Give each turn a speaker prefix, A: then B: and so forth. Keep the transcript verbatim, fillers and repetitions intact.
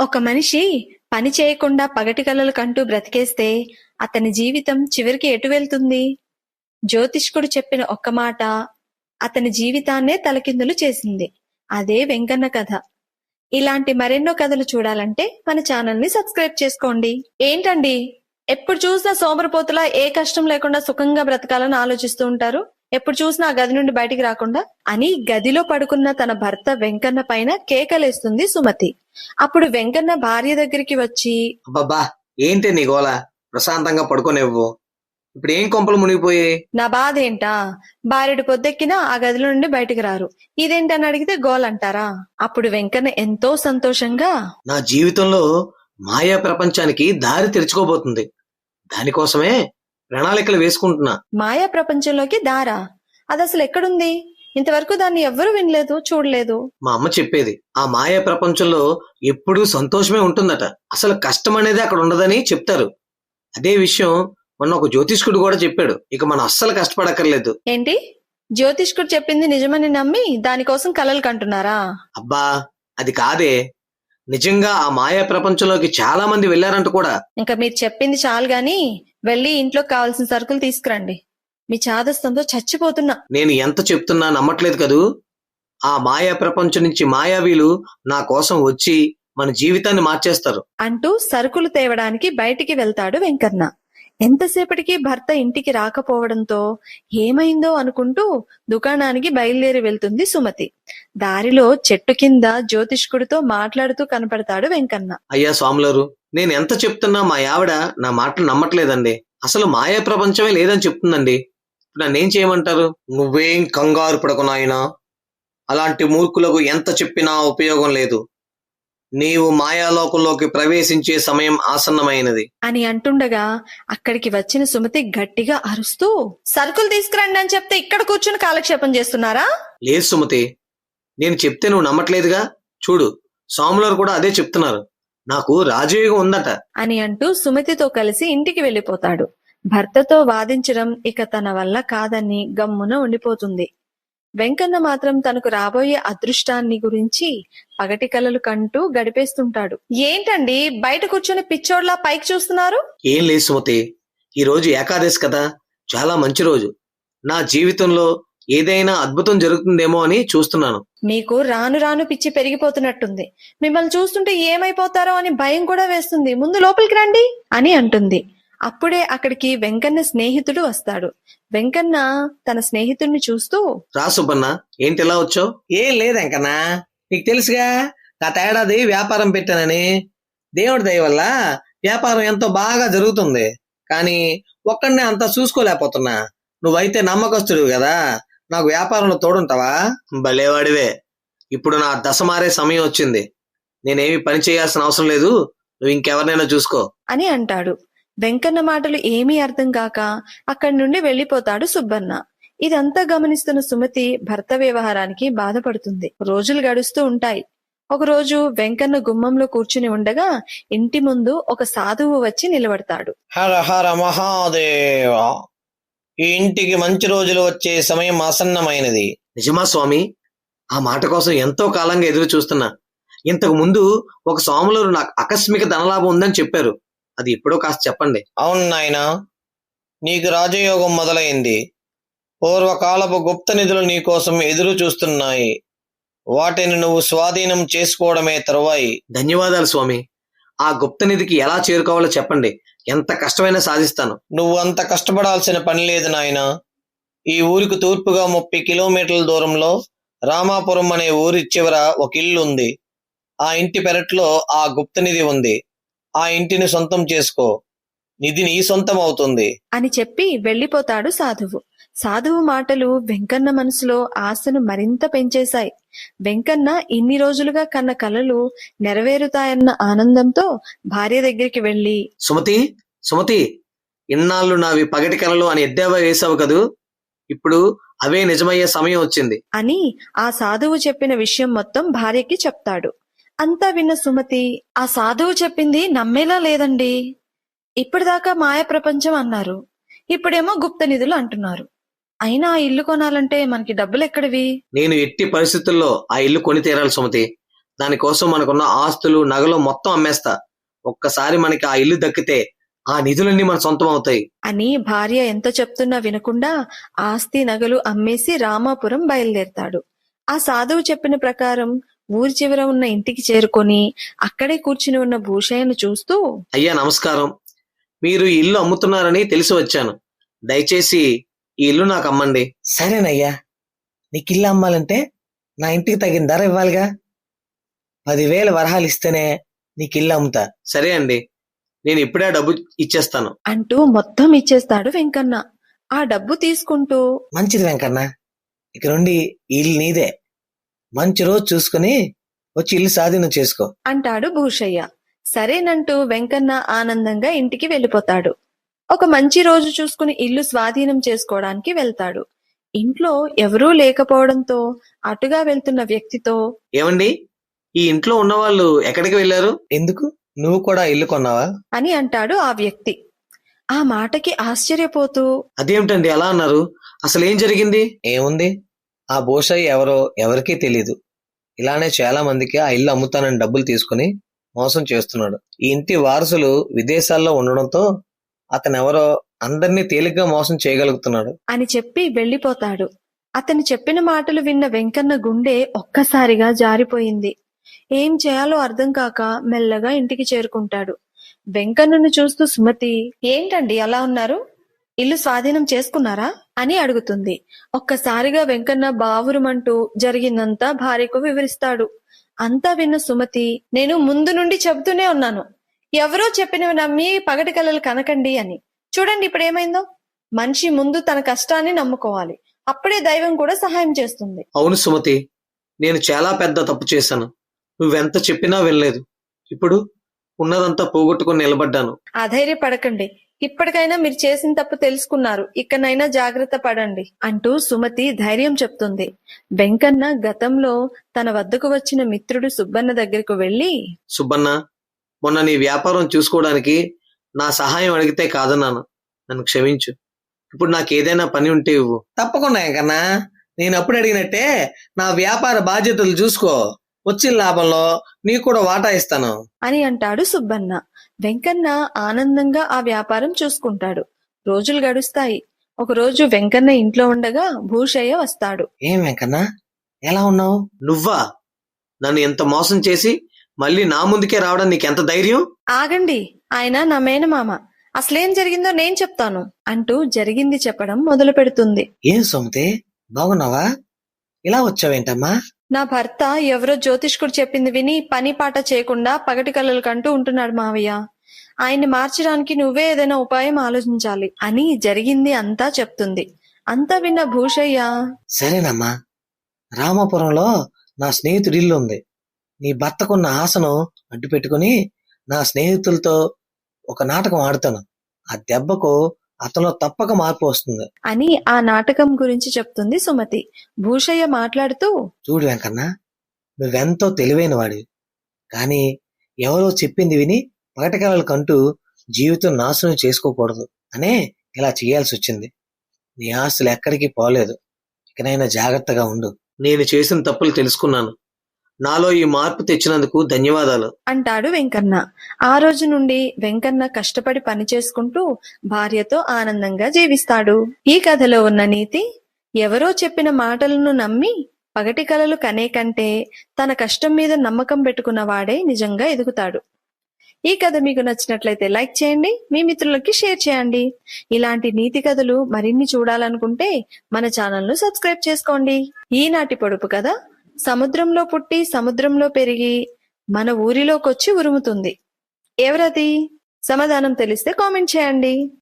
A: ఒక మనిషి పని చేయకుండా పగటి కలలు కంటూ బ్రతికేస్తే అతని జీవితం చివరికి ఎటు వెళ్తుంది? జ్యోతిష్కుడు చెప్పిన ఒక్క మాట అతని జీవితాన్నే తలకిందులు చేసింది. అదే వెంకన్న కథ. ఇలాంటి మరెన్నో కథలు చూడాలంటే మన ఛానల్ ని సబ్స్క్రైబ్ చేసుకోండి. ఏంటండి ఎప్పుడు చూసినా సోమరిపోతులా ఏ కష్టం లేకుండా సుఖంగా బ్రతకాలని ఆలోచిస్తూ ఉంటారు? ఎప్పుడు చూసినా ఆ గది నుండి బయటికి రాకుండా అని గదిలో పడుకున్న తన భర్త వెంకన్న పైన కేకలేస్తుంది సుమతి. అప్పుడు వెంకన్న భార్య దగ్గరికి వచ్చి,
B: అబ్బబ్బా ఏంటి నీ గోల, ప్రశాంతంగా పడుకోనివ్వు, ఇప్పుడు ఏం కొంపలు మునిగిపోయాయి?
A: నా బాధ ఏంటా? భార్యడు పొద్దెక్కినా ఆ గదిలో నుండి బయటికి రారు, ఇదేంటని అడిగితే గోల్ అంటారా? అప్పుడు వెంకన్న ఎంతో సంతోషంగా,
B: నా జీవితంలో మాయా ప్రపంచానికి దారి తెరుచుకోబోతుంది, దానికోసమే ప్రణాళికలు వేసుకుంటున్నా.
A: మాయా ప్రపంచంలోకి దారా? అది అసలు ఎక్కడుంది? ఇంతవరకు దాన్ని ఎవ్వరూ వినలేదు, చూడలేదు.
B: మా అమ్మ చెప్పేది, ఆ మాయా ప్రపంచంలో ఎప్పుడూ సంతోషమే ఉంటుందట, అసలు కష్టం అనేది అక్కడ ఉండదని చెప్తారు. అదే విషయం మొన్న ఒక జ్యోతిష్కుడు కూడా చెప్పాడు. ఇక మనం అస్సలు కష్టపడక్కర్లేదు.
A: ఏంటి? జ్యోతిష్కుడు చెప్పింది నిజమని నమ్మి దానికోసం కలలు కంటున్నారా?
B: అబ్బా అది కాదే, నిజంగా ఆ మాయా ప్రపంచంలోకి చాలా మంది వెళ్లారంట కూడా.
A: ఇంకా మీరు చెప్పింది చాలు గాని వెళ్ళి ఇంట్లోకి కావాల్సిన సరుకులు తీసుకురండి. మీ చాదస్తంతో చచ్చిపోతున్నా.
B: నేను ఎంత చెప్తున్నా నమ్మట్లేదు కదూ. ఆ మాయా ప్రపంచం నుంచి మాయావీలు నా కోసం వచ్చి మన జీవితాన్ని మార్చేస్తారు
A: అంటూ సరుకులు తేవడానికి బయటికి వెళ్తాడు వెంకన్న. ఎంతసేపటికి భర్త ఇంటికి రాకపోవడంతో ఏమైందో అనుకుంటూ దుకాణానికి బయలుదేరి వెళ్తుంది సుమతి. దారిలో చెట్టు కింద జ్యోతిష్కుడితో మాట్లాడుతూ కనపడతాడు వెంకన్న.
B: అయ్యా స్వాములారు, నేను ఎంత చెప్తున్నా మా ఆవిడ నా మాటలు నమ్మట్లేదండి. అసలు మాయా ప్రపంచమే లేదని చెప్తుందండి. నన్నేం చేయమంటారు? నువ్వేం కంగారు పడకు నాయనా, అలాంటి మూర్ఖులకు ఎంత చెప్పినా ఉపయోగం లేదు. నీవు మాయాలోకంలోకి ప్రవేశించే సమయం ఆసన్నమైనది
A: అని అంటుండగా అక్కడికి వచ్చిన సుమతి గట్టిగా అరుస్తూ, సరుకులు తీసుకురండి అని చెప్తే ఇక్కడ కూర్చుని కాలక్షేపం చేస్తున్నారా?
B: లేదు సుమతి, నేను చెప్తే నువ్వు నమ్మట్లేదుగా. చూడు, స్వాములారు కూడా అదే చెప్తున్నారు, నాకు రాజయోగం ఉందట
A: అని అంటూ సుమతితో కలిసి ఇంటికి వెళ్లిపోతాడు. భర్తతో వాదించడం ఇక తన వల్ల కాదని గమ్మున ఉండిపోతుంది. వెంకన్న మాత్రం తనకు రాబోయే అదృష్టాన్ని గురించి పగటి కలలు కంటూ గడిపేస్తుంటాడు. ఏంటండి బయట కూర్చొని పిచ్చోడ్లా పైకి చూస్తున్నారు?
B: ఏం లేదు సుమతి, ఈ రోజు ఏకాదశి కదా, చాలా మంచి రోజు. నా జీవితంలో ఏదైనా అద్భుతం జరుగుతుందేమో అని చూస్తున్నాను.
A: మీకు రాను రాను పిచ్చి పెరిగిపోతున్నట్టుంది. మిమ్మల్ని చూస్తుంటే ఏమైపోతారో అని భయం కూడా వేస్తుంది. ముందు లోపలికి రండి అని అంటుంది. అప్పుడే అక్కడికి వెంకన్న స్నేహితుడు వస్తాడు. వెంకన్న తన స్నేహితుడిని చూస్తూ,
B: రా సుబ్బన్న, ఏంటి ఇలా వచ్చావు? ఏం లేదు వెంకన్నా, నీకు తెలుసుగా గత ఏడాది వ్యాపారం పెట్టానని. దేవుడి దయ వల్ల వ్యాపారం ఎంతో బాగా జరుగుతుంది, కానీ ఒక్కడనే అంతా చూసుకోలేకపోతున్నా. నువ్వైతే నమ్మకస్తుడు కదా, నాకు వ్యాపారంలో తోడుంటావా? భలేవాడివే, ఇప్పుడు నా దశ మారే సమయం వచ్చింది. నేనేమి పని చేయాల్సిన అవసరం లేదు, నువ్వు ఇంకెవరినైనా చూసుకో అని
A: అంటాడు. వెంకన్న మాటలు ఏమీ అర్థం కాక అక్కడి నుండి వెళ్లిపోతాడు సుబ్బన్న. ఇదంతా గమనిస్తున్న సుమతి భర్త వ్యవహారానికి బాధపడుతుంది. రోజులు గడుస్తూ ఉంటాయి. ఒకరోజు వెంకన్న గుమ్మంలో కూర్చుని ఉండగా ఇంటి ముందు ఒక సాధువు వచ్చి నిలబడతాడు.
B: హర హర మహాదేవ, ఈ ఇంటికి మంచి రోజులు వచ్చే సమయం ఆసన్నమైనది. నిజమా స్వామి? ఆ మాట కోసం ఎంతో కాలంగా ఎదురు చూస్తున్నా. ఇంతకు ముందు ఒక స్వాములు నాకు ఆకస్మిక ధనలాభం ఉందని చెప్పారు, అది ఎప్పుడో కాస్త చెప్పండి. అవును నాయనా, నీకు రాజయోగం మొదలైంది. పూర్వకాలపు గుప్త నిధులు నీకోసం ఎదురు చూస్తున్నాయి. వాటిని నువ్వు స్వాధీనం చేసుకోవడమే తరువాయి. ధన్యవాదాలు స్వామి. ఆ గుప్త నిధికి ఎలా చేరుకోవాలో చెప్పండి, ఎంత కష్టమైనా సాధిస్తాను. నువ్వు అంత కష్టపడాల్సిన పని లేదు నాయనా. ఈ ఊరికి తూర్పుగా ముప్పై కిలోమీటర్ల దూరంలో రామాపురం అనే ఊరి చివర ఒక ఇల్లు ఉంది. ఆ ఇంటి పెరట్లో ఆ గుప్త నిధి ఉంది. ఆ ఇంటిని సొంతం చేసుకో, నిధి నీ సొంతం అవుతుంది
A: అని చెప్పి వెళ్లిపోతాడు సాధువు. సాధువు మాటలు వెంకన్న మనసులో ఆశను మరింత పెంచేశాయి. వెంకన్న ఇన్ని రోజులుగా కన్న కలలు నెరవేరుతాయన్న ఆనందంతో భార్య దగ్గరికి వెళ్లి,
B: సుమతి సుమతి, ఇన్నాళ్ళు నావి పగటి కలలు అని ఎద్దేవా వేశావు కదూ, ఇప్పుడు అవే నిజమయ్యే సమయం వచ్చింది
A: అని ఆ సాధువు చెప్పిన విషయం మొత్తం భార్యకి చెప్తాడు. అంతా విన్న సుమతి, ఆ సాధువు చెప్పింది నమ్మేలా లేదండి. ఇప్పటిదాకా మాయ ప్రపంచం అన్నారు, ఇప్పుడేమో గుప్త నిధులు అంటున్నారు. అయినా ఆ ఇల్లు కొనాలంటే మనకి డబ్బులు ఎక్కడివి?
B: నేను ఎట్టి పరిస్థితుల్లో ఆ ఇల్లు కొని తీరాలి సుమతి. దానికోసం మనకున్న ఆస్తులు నగలు మొత్తం అమ్మేస్తా. ఒక్కసారి మనకి ఆ ఇల్లు దక్కితే ఆ నిధులన్నీ మన సొంతం అవుతాయి.
A: అని భార్య ఎంత చెప్తున్నా వినకుండా ఆస్తి నగలు అమ్మేసి రామాపురం బయలుదేరతాడు. ఆ సాధువు చెప్పిన ప్రకారం ఊరి చివర ఉన్న ఇంటికి చేరుకొని అక్కడే కూర్చుని ఉన్న భూషయ్యను చూస్తూ,
B: అయ్యా నమస్కారం. మీరు ఈ ఇల్లు అమ్ముతున్నారని తెలిసి వచ్చాను. దయచేసి ఈ ఇల్లు నాకు అమ్మండి. సరేనయ్యా, నీకు ఇల్లు అమ్మాలంటే నా ఇంటికి తగిన ధర ఇవ్వాలిగా. పదివేల వరహాలు ఇస్తేనే నీకు ఇల్లు అమ్ముతా. సరే అండి, నేను ఇప్పుడే ఆ డబ్బు ఇచ్చేస్తాను
A: అంటూ మొత్తం ఇచ్చేస్తాడు వెంకన్న. ఆ డబ్బు తీసుకుంటూ,
B: మంచిది వెంకన్న, ఇక నుండి ఈ ఇల్లు నీదే. మంచి రోజు చూసుకుని వచ్చి ఇల్లు స్వాధీనం చేసుకో
A: అంటాడు భూషయ్య. సరేనంటూ వెంకన్న ఆనందంగా ఇంటికి వెళ్ళిపోతాడు. ఒక మంచి రోజు చూసుకుని ఇల్లు స్వాధీనం చేసుకోవడానికి వెళ్తాడు. ఇంట్లో ఎవరూ లేకపోవడంతో అటుగా వెళ్తున్న వ్యక్తితో,
B: ఏమండి, ఈ ఇంట్లో ఉన్న వాళ్ళు ఎక్కడికి వెళ్ళారు? ఎందుకు, నువ్వు కూడా ఇల్లు కొన్నావా
A: అని అంటాడు ఆ వ్యక్తి. ఆ మాటకి ఆశ్చర్యపోతూ,
B: అదేమిటండి అలా అన్నారు? అసలు ఏం జరిగింది? ఏముంది, ఆ భూషయ్య ఎవరో ఎవరికీ తెలీదు. ఇలానే చాలా మందికి ఆ ఇల్లు అమ్ముతానని డబ్బులు తీసుకుని మోసం చేస్తున్నాడు. ఈ ఇంటి వారసులు విదేశాల్లో ఉండడంతో అతనెవరో అందరినీ తేలిగ్గా మోసం చేయగలుగుతున్నాడు
A: అని చెప్పి వెళ్లిపోతాడు. అతను చెప్పిన మాటలు విన్న వెంకన్న గుండె ఒక్కసారిగా జారిపోయింది. ఏం చేయాలో అర్థం కాక మెల్లగా ఇంటికి చేరుకుంటాడు. వెంకన్నను చూస్తూ సుమతి, ఏంటండి అలా ఉన్నారు? ఇల్లు స్వాధీనం చేసుకున్నారా అని అడుగుతుంది. ఒక్కసారిగా వెంకన్న బావురుమంటూ జరిగిందంతా భార్యకు వివరిస్తాడు. అంతా విన్న సుమతి, నేను ముందు నుండి చెబుతూనే ఉన్నాను, ఎవరో చెప్పినవి నమ్మి పగటి కలలు కనకండి అని. చూడండి ఇప్పుడు ఏమైందో. మనిషి ముందు తన కష్టాన్ని నమ్ముకోవాలి, అప్పుడే దైవం కూడా సహాయం చేస్తుంది.
B: అవును సుమతి, నేను చాలా పెద్ద తప్పు చేశాను. నువ్వెంత చెప్పినా వినలేదు. ఇప్పుడు ఉన్నదంతా పోగొట్టుకుని నిలబడ్డాను.
A: అధైర్యపడకండి, ఇప్పటికైనా మీరు చేసిన తప్పు తెలుసుకున్నారు, ఇకనైనా జాగ్రత్త పడండి అంటూ సుమతి ధైర్యం చెప్తుంది. వెంకన్న గతంలో తన వద్దకు వచ్చిన మిత్రుడు సుబ్బన్న దగ్గరకు వెళ్లి,
B: సుబ్బన్న, మొన్న నీ వ్యాపారం చూసుకోవడానికి నా సహాయం అడిగితే కాదన్నాను, నన్ను క్షమించు. ఇప్పుడు నాకు ఏదైనా పని ఉంటే ఇవ్వు. తప్పకుండా కన్నా, నేను అప్పుడు అడిగినట్టే నా వ్యాపార బాధ్యతలు చూసుకో, వచ్చిన లాభంలో నీకు కూడా వాటా ఇస్తాను
A: అని అంటాడు సుబ్బన్న. వెంకన్న ఆనందంగా ఆ వ్యాపారం చూసుకుంటాడు. రోజులు గడుస్తాయి. ఒకరోజు వెంకన్న ఇంట్లో ఉండగా భూషయ్య వస్తాడు.
B: ఏం వెంకన్న, ఎలా ఉన్నావు? నువ్వా? నన్ను ఎంత మోసం చేసి మళ్ళీ నా ముందుకే రావడం నీకెంత ధైర్యం?
A: ఆగండి, ఆయన నా మేనమామ, అసలేం జరిగిందో నేను చెప్తాను అంటూ జరిగింది చెప్పడం మొదలు పెడుతుంది.
B: ఏం సోమతే, బాగున్నావా? ఇలా వచ్చావేంటమ్మా?
A: నా భర్త ఎవరో జ్యోతిష్కుడు చెప్పింది విని పని పాట చేయకుండా పగటి కలలు కంటూ ఉంటున్నాడు మావయ్య. ఆయన్ని మార్చడానికి నువ్వే ఏదైనా ఉపాయం ఆలోచించాలి అని జరిగింది అంతా చెప్తుంది. అంతా విన్న భూషయ్య,
B: సరేనమ్మా, రామాపురంలో నా స్నేహితుడి ఇల్లు ఉంది. నీ భర్తకున్న ఆశను అడ్డు పెట్టుకుని నా స్నేహితులతో ఒక నాటకం ఆడుతాను. ఆ దెబ్బకు అతను తప్పక మార్పు వస్తుంది
A: అని ఆ నాటకం గురించి చెప్తుంది సుమతి. భూషయ్య మాట్లాడుతూ,
B: చూడు వెంకన్న, నువ్వెంతో తెలివైన వాడివి, కానీ ఎవరో చెప్పింది విని పగటికలలు కంటూ జీవితం నాశనం చేసుకోకూడదు అనే ఇలా చేయాల్సి వచ్చింది. నీ ఆస్తులు ఎక్కడికి పోలేదు, ఇకనైనా జాగ్రత్తగా ఉండు. నేను చేసిన తప్పులు తెలుసుకున్నాను. నాలో ఈ మార్పు తెచ్చినందుకు ధన్యవాదాలు
A: అంటాడు వెంకన్న. ఆ రోజు నుండి వెంకన్న కష్టపడి పని చేసుకుంటూ భార్యతో ఆనందంగా జీవిస్తాడు. ఈ కథలో ఉన్న నీతి, ఎవరో చెప్పిన మాటలను నమ్మి పగటి కలలు కనే కంటే తన కష్టం మీద నమ్మకం పెట్టుకున్న వాడే నిజంగా ఎదుగుతాడు. ఈ కథ మీకు నచ్చినట్లయితే లైక్ చేయండి, మీ మిత్రులకి షేర్ చేయండి. ఇలాంటి నీతి కథలు మరిన్ని చూడాలనుకుంటే మన ఛానల్ ను సబ్స్క్రైబ్ చేసుకోండి. ఈనాటి పొడుపు కథ, సముద్రంలో పుట్టి సముద్రంలో పెరిగి మన ఊరిలోకొచ్చి ఉరుముతుంది. ఎవరది? సమాధానం తెలిస్తే కామెంట్ చేయండి.